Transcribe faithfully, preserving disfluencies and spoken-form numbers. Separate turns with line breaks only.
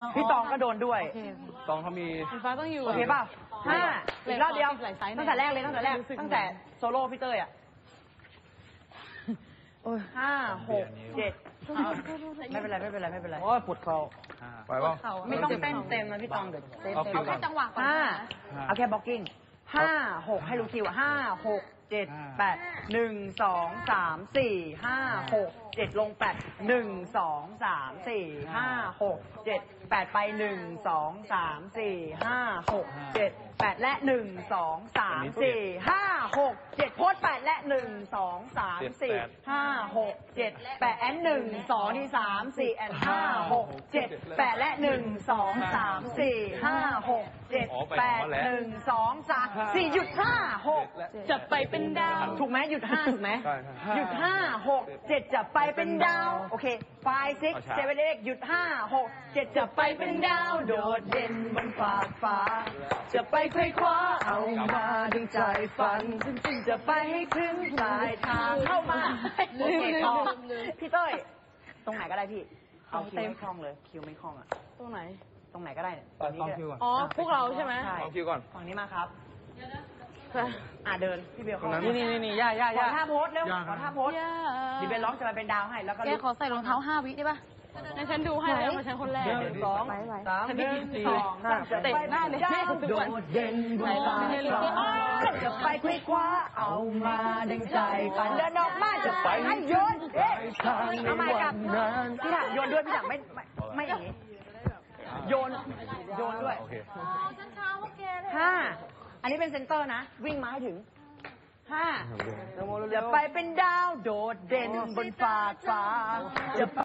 พี่ตองก็โดนด้วย
ตองเขามี
ฟ้าต้องอยู่
โอเคป่ะห้าอีกรอบเดียวตั้งแต่แรกเลยตั้งแต่แรกตั้งแต่โซโล่พี่เต้ยอ่ะห้าหกเจ็ดไม่เป็นไรไม่เป็นไรไม่เป็นไร
โอ้ยปวดเข่าไปป่ะ
ไม่ต้องเต้นเต็มนะพี่ตองเดี๋ยวเต้นเต็ม
เอาแค่จังหวะก่อน
ห้าเอาแค่บล็อกกิ้งห้าหกให้รู้คิวห้าหกเจ็ดแปดหนึ่งสองสามสี่ห้าหกเจ็ดลงแปดหนึ่งสองสามสี่ห้าหกเจ็ดแปดไปหนึ่งสองสามสี่ห้าหกเจ็ดแปดและหนึ่งสองสามสี่ห้าหกเจ็ดโพสแปดและหนึ่งสองสามสี่ห้าหกเจ็ดแปดแอนหนึ่งสองที่สามสี่แอนห้าหกเจ็ดแปดและหนึ่งสองสามสี่ห้าหกเจ็ดแปดหนึ่งสองสามสี่หยุดห้าหก
จะไปเป็นดาว
ถูกไหมหยุดห้าถูกไหมหยุดห้าหกเจ็ดจะไปเป็นดาวโอเคไฟซิกเซเว่นเอ็กหยุดห้าหกเจ็ดจะไปเป็นดาวโดดเด่นบนฟากฟ้าจะไปไขว้คว้าเอามาดึงใจฝันจะไปให้ถึงปลายทางเข้ามาโอเคต่อพี่เต้ยตรงไหนก็ได้พี่เอาคิวไม่คล่องเลยคิวไม่คล่องอ่ะ
ตรงไหน
ตรงไหนก็ได้เนี่ย
ตองคิวก่อน
อ๋อพวกเราใช่ไหม
ตองคิวก่อน
ฝั่งนี้มาครับอ่าเดินพี่เบล
นี่นี่นี่นี่ย่าย่า
ขอท่าโพสเร็วขอท่าโพสดีเบลร้องจะมาเป็นดาวให้แล้วก็
แกขอใส่รองเท้าห้าวิได้ป่ะในฉันดูให้แล้วมาฉันคนแรก
หนึ่งสองสามหนึ่งสองสามจะไปได้เลยโดดเด่นบนฟ้าจะไปคว้าคว้าเอามาดึงใจฝันเดินออกมาจะไปให้โยนเอ๊ะทำไมกับพี่ถังโยนด้วยพี่ถังไม่ไม่อย่างนี้โยนโยนด้วยห้าอันนี้เป็นเซนเตอร์นะวิ่งมาให้ถึงห้าจะไปเป็นดาวโดดเด่นบนฟ้าฟ้าจะ